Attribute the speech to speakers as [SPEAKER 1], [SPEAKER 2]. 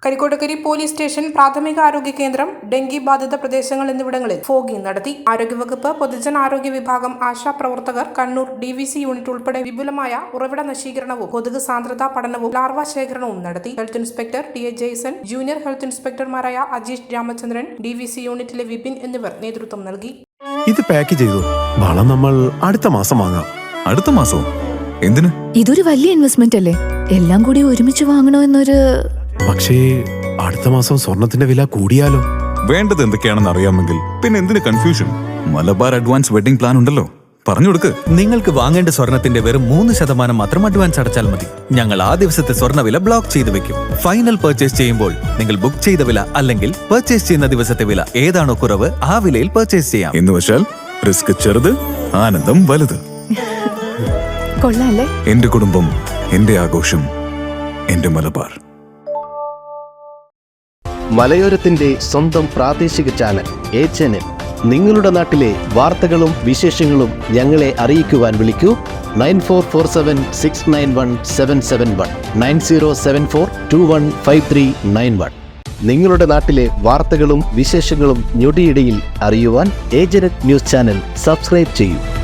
[SPEAKER 1] കരിക്കോട്ടക്കരി police station, പ്രാഥമിക ആരോഗ്യ കേന്ദ്രം, ഡെങ്കി ബാധിത പ്രദേശങ്ങൾ എന്നിവിടങ്ങളിൽ ഫോഗിംഗ് നടത്തി. ആരോഗ്യവകുപ്പ്, പൊതുജനാരോഗ്യ വിഭാഗം, ആശാപ്രവർത്തകർ, കണ്ണൂർ DVC യൂണിറ്റ് ഉൾപ്പെടെ വിപുലമായ ഉറവിട നശീകരണവും കൊതുക് സാന്ദ്രതാ പഠനവും ലാർവ ശേഖരണവും നടത്തി. Health inspector TA Jason, junior health ഇൻസ്പെക്ടർമാരായ അജീഷ് രാമചന്ദ്രൻ, DVC യൂണിറ്റിലെ വിപിൻ എന്നിവർ നേതൃത്വം നൽകി.
[SPEAKER 2] ഇത് പാക്ക് ചെയ്തു. വളം നമ്മൾ അടുത്ത മാസം വാങ്ങാം.
[SPEAKER 3] അടുത്ത മാസവും? എന്തിന്?
[SPEAKER 4] ഇതൊരു വലിയ ഇൻവെസ്റ്റ്മെന്റ് അല്ലേ? എല്ലാം കൂടി ഒരുമിച്ച് വാങ്ങണോ എന്നൊരു.
[SPEAKER 2] പക്ഷേ അടുത്ത മാസം സ്വർണത്തിന്റെ വില കൂടിയാലോ?
[SPEAKER 3] വേണ്ടത് എന്തൊക്കെയാണെന്ന് അറിയാമെങ്കിൽ പിന്നെ എന്തിന് confusion? Malabar advance wedding plan ഉണ്ടല്ലോ, പറഞ്ഞു കൊടുക്ക്.
[SPEAKER 5] നിങ്ങൾക്ക് വാങ്ങേണ്ട സ്വർണത്തിന്റെ വെറും 3% മാത്രം അഡ്വാൻസ് അടച്ചാൽ മതി. ഞങ്ങൾ ആ ദിവസത്തെ സ്വർണ്ണവില ബ്ലോക്ക് ചെയ്തു വെക്കും. ഫൈനൽ പർച്ചേസ് ചെയ്യുമ്പോൾ നിങ്ങൾ ബുക്ക് ചെയ്ത വില അല്ലെങ്കിൽ പർച്ചേസ് ചെയ്യുന്ന ദിവസത്തെ വില ഏതാണോ കുറവ് ആ വിലയിൽ പർച്ചേസ് ചെയ്യാം.
[SPEAKER 3] എന്ന് വെച്ചാൽ റിസ്ക് ചെറുത്, ആനന്ദം വലുത്.
[SPEAKER 4] കൊള്ളാല്ലേ?
[SPEAKER 3] എന്റെ കുടുംബം, എന്റെ ആഘോഷം, എന്റെ മലബാർ.
[SPEAKER 6] മലയോരത്തിന്റെ സ്വന്തം പ്രാദേശിക ചാനൽ HNN. നിങ്ങളുടെ നാട്ടിലെ വാർത്തകളും വിശേഷങ്ങളും ഞങ്ങളെ അറിയിക്കുവാൻ വിളിക്കൂ 9447691771 9074215391. നിങ്ങളുടെ നാട്ടിലെ വാർത്തകളും വിശേഷങ്ങളും ഞൊടിയിടയിൽ അറിയുവാൻ ഏജനറ്റ് ന്യൂസ് ചാനൽ സബ്സ്ക്രൈബ് ചെയ്യൂ.